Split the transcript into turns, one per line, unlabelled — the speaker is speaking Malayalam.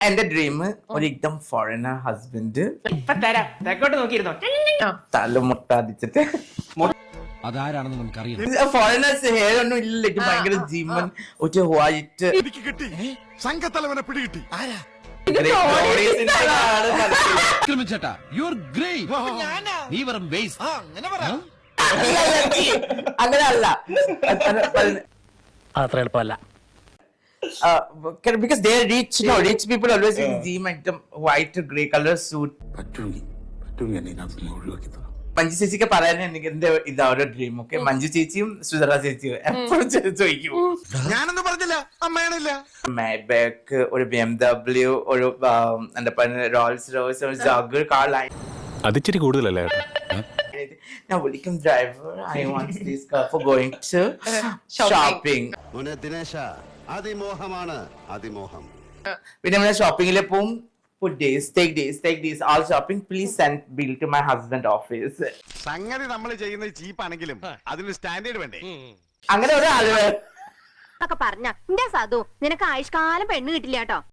എന്റെ ഡ്രീം ഒരു എക്ദം ഫോറിനർ ഹസ്ബൻഡ്
ഇപ്പൊ തരാം തെക്കോട്ട് നോക്കിയിരുന്നോ
തല മുട്ടാടിച്ചിട്ട്
അതാരാണെന്ന് നമുക്കറിയാം.
ഫോറിനേഴ്സ് ഹെയർ ഒന്നും ഇല്ല ഭയങ്കര ജീവൻ ഒരു വൈറ്റ്
എനിക്ക് കിട്ടി സംഘത്തലവനെ പിടികിട്ടി ആരാ
ചേട്ടാ യു ആർ ഗ്രേറ്റ്. നീ വെറും വേസ്റ്റ്.
അങ്ങനെ അല്ല
അത്ര എളുപ്പമല്ല.
because they are rich, no, rich people always in gym item white grey color suit. Manju ചേച്ചിക്ക് പറയാൻ എനിക്ക് എന്റെ ഇതാ ഒരു ഡ്രീം ഓക്കെ. മഞ്ജു ചേച്ചിയും സുധറ ചേച്ചിയും എപ്പോഴും ചോദിക്കും
ഞാനൊന്നും പറഞ്ഞില്ല അമ്മയാണില്ല
മാബാക്ക് ഒരു BMW ഒരു എന്താ പറയുക റോൾസ് റോയ്സ് ഒരു ജാഗർ കാർ ലൈൻ
അതിച്ചിരി കൂടുതലല്ലേ?
Now welcome driver, I want this car for going to shopping.
ദിനേശ അതിമോഹമാണ് അതിമോഹം.
പിന്നെ നമ്മള് ഷോപ്പിംഗിൽ പോവും. Put days, take days, all shopping. Please send bill to my husband office.
സംഗതി നമ്മൾ ചെയ്യുന്നത് ചീപ്പാണെങ്കിലും അതിന് സ്റ്റാൻഡേർഡ് വേണ്ടേ?
അങ്ങനെ ഒരാള്
പറഞ്ഞ എന്റെ സാധു നിനക്ക് ആയുഷ്കാലം പെണ്ണ് കിട്ടില്ല കേട്ടോ.